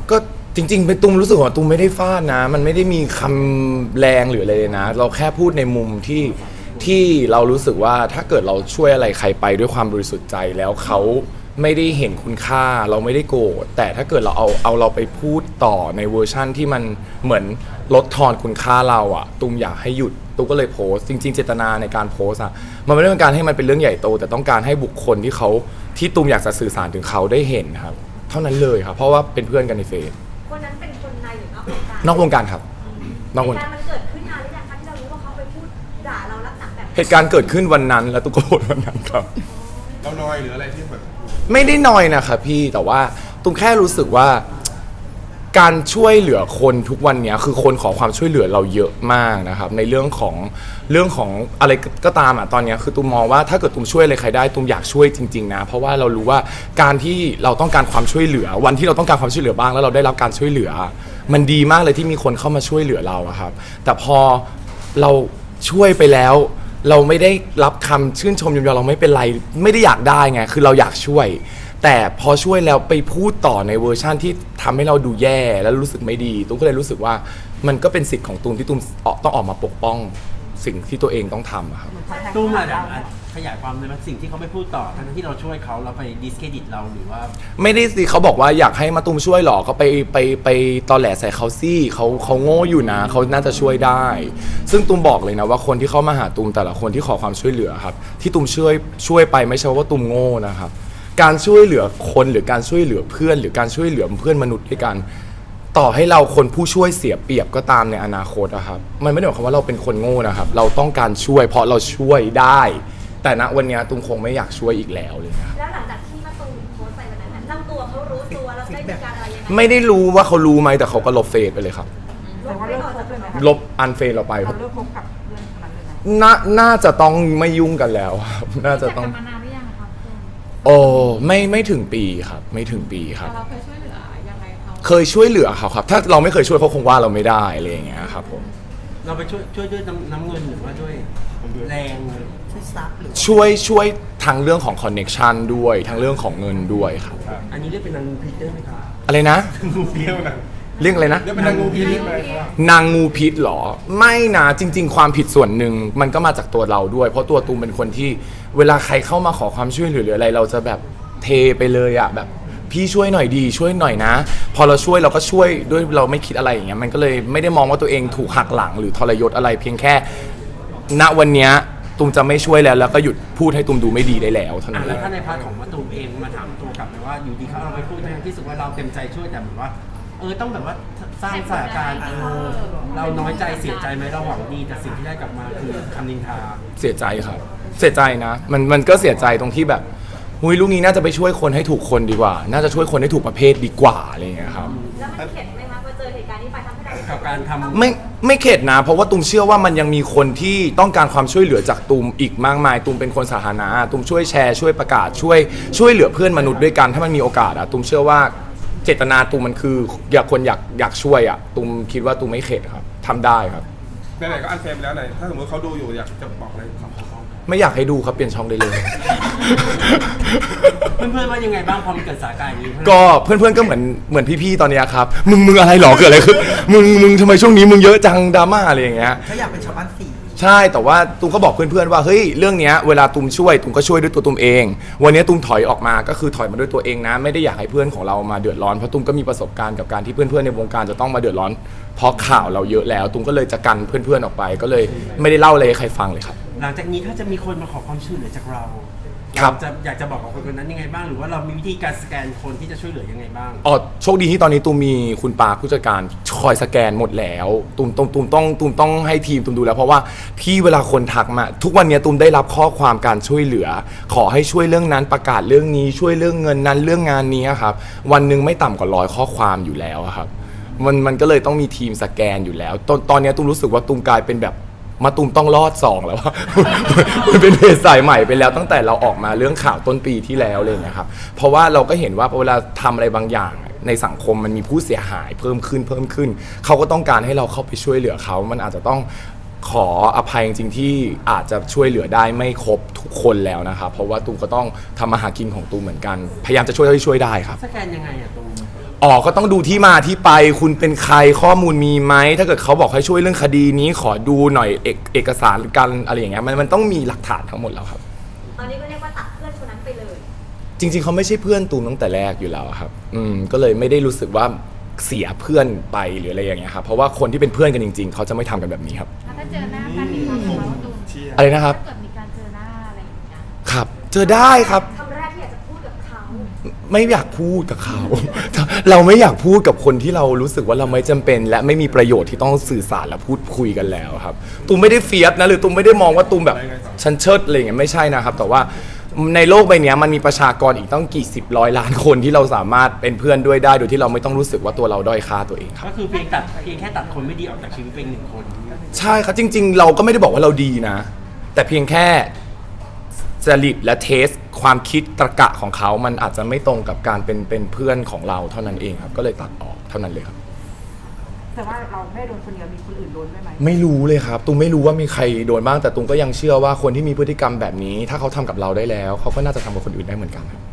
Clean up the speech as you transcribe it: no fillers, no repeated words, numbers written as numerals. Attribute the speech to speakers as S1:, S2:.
S1: ก็จริงๆเป็นตุ้มรู้สึกว่าตุ้มไม่ได้ฟาดนะมันไม่ได้มีคำแรงหรืออะไรเลยนะเราแค่พูดในมุมที่เรารู้สึกว่าถ้าเกิดเราช่วยอะไรใครไปด้วยความบริสุทธิ์ใจแล้วเขาไม่ได้เห็นคุณค่าเราไม่ได้โกรธแต่ถ้าเกิดเราเอาเราไปพูดต่อในเวอร์ชั่นที่มันเหมือนลดทอนคุณค่าเราอะตุ้มอยากให้หยุดตุ้มก็เลยโพสต์จริงๆเจตนาในการโพสต์อะมันไม่ได้เป็นการให้มันเป็นเรื่องใหญ่โตแต่ต้องการให้บุคคลที่ตุ้มอยากจะสื่อสารถึงเขาได้เห็นครับเท่านั้นเลยครับเพราะว่าเป็นเพื่อนกันในเฟซ
S2: คนนั้นเป็นคนในหรือนอกวงการ
S1: นอกวงการครับนอกวงการ
S2: มันเกิดขึ้นนานหรือยังคะที่เรารู้ว่าเขาไปพูดด่าเราลักษณะแบบ
S1: เหตุการณ์เกิดขึ้นวันนั้นแล้วตุ้มก็โกรธวันนั้นครับ
S3: เรานอยหรืออะไรที่แบบ
S1: ไม่ได้นอยนะครับพี่แต่ว่าตุ้มแค่รู้สึกว่าการช่วยเหลือคนทุกวันนี้คือคนขอความช่วยเหลือเราเยอะมากนะครับในเรื่องของอะไรก็ตามอ่ะตอนนี้คือตุ้มมองว่าถ้าเกิดตุ้มช่วยอะไรใครได้ตุ้มอยากช่วยจริงๆนะเพราะว่าเรารู้ว่าการที่เราต้องการความช่วยเหลือวันที่เราต้องการความช่วยเหลือบ้างแล้วเราได้รับการช่วยเหลือมันดีมากเลยที่มีคนเข้ามาช่วยเหลือเราครับแต่พอเราช่วยไปแล้วเราไม่ได้รับคำชื่นชมยอมเราไม่เป็นไรไม่ได้อยากได้ไงคือเราอยากช่วยแต่พอช่วยแล้วไปพูดต่อในเวอร์ชั่นที่ทำให้เราดูแย่แล้วรู้สึกไม่ดีตุ้มก็เลยรู้สึกว่ามันก็เป็นสิทธิ์ของตุ้มที่ตุ้มต้องออกมาปกป้องสิ่งที่ตัวเองต้องทำครับ
S4: ตุ้มอะขยายความเลยว่าสิ่งที่เขาไม่พูดต่อทั้งที่เราช่วยเขาแล้วไปดิสเครดิตเราหรือว่า
S1: ไม่ได้สิเขาบอกว่าอยากให้มาตุ้มช่วยหรอก็ไปตอแหลใส่เขาซี่เขาโง่อยู่นะเขาน่าจะช่วยได้ซึ่งตุ้มบอกเลยนะว่าคนที่เข้ามาหาตุ้มแต่ละคนที่ขอความช่วยเหลือครับที่ตุ้มช่วยไปไม่ใช่ว่าตุ้มโง่นะครับการช่วยเหลือคนหรือการช่วยเหลือเพื่อนหรือการช่วยเหลือเพื่อนมนุษย์ด้วยกันต่อให้เราคนผู้ช่วยเสียเปรียบก็ตามในอนาคตนะครับมันไม่ได้หมายความว่าเราเป็นคนโง่นะครับเราต้องการช่วยเพราะเราช่วยได้แต่ณวันนี้ตุ้มคงไม่อยากช่วยอีกแล้วเลยครับ
S2: แล้วหลังจากที่มาตูมโพสต์ไปวันนั้นเจ้าตัวเขารู้ตัวแล้วได้มีการอะไรยังไง
S1: ไม่ได้รู้ว่าเขารู้ไหมแต่เขาก็ลบเฟซไปเลยครับ
S2: ลบไปก่อนจะเป็นไหม
S1: ลบอันเฟซเราไป
S5: เราเลิกคบกับเพื่อนคนนั้นเลยไหม
S1: น่าจะต้องไม่ยุ่งกันแล้วครับน่าจะต้อง
S2: มานานหรือยังครับ
S1: โอ้ไม่ถึงปีครับไม่ถึงปีครับ
S2: เราเคยช่วยเหลือยังไงเขา
S1: เคยช่วยเหลือเขาครับถ้าเราไม่เคยช่วยเขาคงว่าเราไม่ได้อะไรอย่างเงี้ยครับผม
S4: เราไปช่วยด้วยน้ำเงินหรือว่าด้วยแรง
S5: ช่วยซับหรือ
S1: ช่วยทั้งเรื่องของคอนเน็กชันด้วยทั้งเรื่องของเงินด้วยครับ
S4: อันนี้เรียกเป็นนางพิษได้ไหมครับ
S1: อะไรนะ
S3: งูพิษนะ
S1: เรื่องอะไรนะ
S3: เรียกเป็นนางงูพิษไหม
S1: นางงูพิษหรอไม่นะจริงๆความผิดส่วนหนึ่งมันก็มาจากตัวเราด้วยเพราะตัวตูมเป็นคนที่เวลาใครเข้ามาขอความช่วยเหลือหรืออะไรเราจะแบบเทไปเลยอะแบบพี่ช่วยหน่อยดีช่วยหน่อยนะพอเราช่วยเราก็ช่วยด้วยเราไม่คิดอะไรอย่างเงี้ยมันก็เลยไม่ได้มองว่าตัวเองถูกหักหลังหรือทรยศอะไรเพียงแค่ณวันเนี้ยตูมจะไม่ช่วยแล้วก็หยุดพูดให้ตูมดูไม่ดีได้แล้วเท่านั้น
S4: แล้วถ้าในพาร์ทของมะตูมเองมาถามตัวกลับเลยว่าอยู่ดีเขาเอาไปพูดในที่สุดว่าเราเต็มใจช่วยแต่แบบว่าต้องแบบว่าสร้างสถานการณ์เราน้อยใจเสียใจไหมเราหวังดีแต่สิ่งที่ได้กลับมาคือคำนินทา
S1: เสียใจครับเสียใจนะมันก็เสียใจตรงที่แบบหุยลูกนี้น่าจะไปช่วยคนให้ถูกคนดีกว่าน่าจะช่วยคนให้ถูกประเภทดีกว่าอะไรอย่างเงี้ยครับ
S2: แล้วมันเข็ดไหมคะพอเจอเหตุการณ์นี้ไปทำให้เรา
S4: กับการทำ
S1: ไม่เข็ดนะเพราะว่าตูมเชื่อว่ามันยังมีคนที่ต้องการความช่วยเหลือจากตูมอีกมากมายตูมเป็นคนสาธารณะตูมช่วยแชร์ช่วยประกาศช่วยเหลือเพื่อนมนุษย์ด้วยกันถ้ามันมีโอกาสอะตูมเชื่อว่าเจตนาตูมมันคืออยากช่วยอะตูมคิดว่าตูมไม่เข็ดครับทำได้ครับ
S3: ไหนๆก็อันเฟรมแล้วไหนถ้าสมมติเขาดูอยู่อยากจะบอกอะไรกับเขา
S1: ไม่อยากให้ดูครับเปลี่ยนช่องได้เลย
S4: เพื่อนๆว่ายังไงบ้างพอมันเกิดสถานการณ์นี้
S1: ก็เพื่อนๆก็เหมือนพี่ๆตอนนี้ครับมึงอะไรหรอเกิดอะไรขึ้นมึงทำไมช่วงนี้มึงเยอะจังดราม่าอะไรอย่างเงี้ย
S5: เขาอยากเป็นชาวบ้านสี่
S1: ใช่แต่ว่าตูมก็บอกเพื่อนๆว่าเฮ้ยเรื่องเนี้ยเวลาตูมช่วยตูมก็ช่วยด้วยตัวตูมเองวันนี้ตูมถอยออกมาก็คือถอยมาด้วยตัวเองนะไม่ได้อยากให้เพื่อนของเรามาเดือดร้อนเพราะตูมก็มีประสบการณ์กับการที่เพื่อนๆในวงการจะต้องมาเดือดร้อนเพราะข่าวเราเยอะแล้วตูมก็เลยจะกันเพื่อนๆออกไปก็เลยไม่ได้เล่าอะไรให้ใครฟังเลยครับ
S4: หลังจากนี้ถ้าจะมีคนมาขอความช่วยเหลือจากเราอยากจะบอกกับคนนั้นยังไงบ้างหรือว่าเรามีวิธีการสแกนคนที่จะช่วยเหลือยังไงบ้าง
S1: อ๋อโชคดีที่ตอนนี้ตูมมีคุณปาผู้จัดการคอยสแกนหมดแล้วตูมต้องให้ทีมตูมดูแล้วเพราะว่าที่เวลาคนทักมาทุกวันนี้ตูมได้รับข้อความการช่วยเหลือขอให้ช่วยเรื่องนั้นประกาศเรื่องนี้ช่วยเรื่องเงินนั้นเรื่องงานนี้ครับวันหนึ่งไม่ต่ำกว่า100ข้อความอยู่แล้วครับมันก็เลยต้องมีทีมสแกนอยู่แล้วตอนนี้ตูมรู้สึกว่าตูมกลายเป็นแบบมาตูมต้องรอด2แล้วว่ามันเป็นเพจสายใหม่ไปแล้วตั้งแต่เราออกมาเรื่องข่าวต้นปีที่แล้วเลยนะครับเพราะว่าเราก็เห็นว่าเวลาทำอะไรบางอย่างในสังคมมันมีผู้เสียหายเพิ่มขึ้นเขาก็ต้องการให้เราเข้าไปช่วยเหลือเขามันอาจจะต้องขออภัยจริงๆที่อาจจะช่วยเหลือได้ไม่ครบทุกคนแล้วนะครับเพราะว่าตูมก็ต้องทำมาหากินของตูมเหมือนกันพยายามจะช่วยได้ครับ
S4: สแกนยังไงอะตูม
S1: อ๋อก็ต้องดูที่มาที่ไปคุณเป็นใครข้อมูลมีไหมถ้าเกิดเขาบอกให้ช่วยเรื่องคดีนี้ขอดูหน่อยเอกสารกันอะไรอย่างเงี้ยมันต้องมีหลักฐานทั้งหมดแล้วครับ
S2: ตอนนี้ก็เรียกว่าตัดเพื่อนคนนั้นไปเลย
S1: จริงๆเขาไม่ใช่เพื่อนตูมตั้งแต่แรกอยู่แล้วครับก็เลยไม่ได้รู้สึกว่าเสียเพื่อนไปหรืออะไรอย่างเงี้ยครับเพราะว่าคนที่เป็นเพื่อนกันจริงๆเขาจะไม่ทำกันแบบนี้ครับ
S6: ถ้าเจอหน้ากันมีความสุขแล้วตูน
S3: เชียร์
S1: อะไรนะครับ
S6: ถ้าเกิดมีการเจอหน้าอะไรอย่างเงี้ย
S1: ครับ เจอได้ครับ
S2: คำแรกที่อยากจะพูดกับเขา
S1: ไม่อยากพูดกับเขา เราไม่อยากพูดกับคนที่เรารู้สึกว่าเราไม่จำเป็น และไม่มีประโยชน์ที่ต้องสื่อสารและพูดคุยกันแล้วครับตูมไม่ได้เฟียสนะหรือตูมไม่ได้มองว่าตูมแบบฉันเชิดอะไรอย่างเงี้ยไม่ใช่นะครับแต่ว่าในโลกใบนี้มันมีประชากรอีกต้องกี่สิบร้อยล้านคนที่เราสามารถเป็นเพื่อนด้วยได้โดยที่เราไม่ต้องรู้สึกว่าตัวเราด้อยค่าตัวเองครับ
S4: ก็คือเพียงแค่ตัดคนไม่ดีออกจากชีวิตเป็นหนึ่งคน
S1: ใช่ครับจริงๆ เราก็ไม่ได้บอกว่าเราดีนะ แต่เพียงแค่จริตและเทสความคิดตรรกะของเขามันอาจจะไม่ตรงกับการเป็นเพื่อนของเราเท่านั้นเองครับก็เลยตัดออกเท่านั้นเลยครับ
S5: แต่ว่าเราไม่โดนคนเดียวมีคนอื่นโดนด้วยไหม
S1: ไม่รู้เลยครับตุ้มไม่รู้ว่ามีใครโดนบ้างแต่ตุ้มก็ยังเชื่อว่าคนที่มีพฤติกรรมแบบนี้ ถ้าเขาทำกับเราได้แล้วเขาก็น่าจะทำกับคนอื่นได้เหมือนกันครับ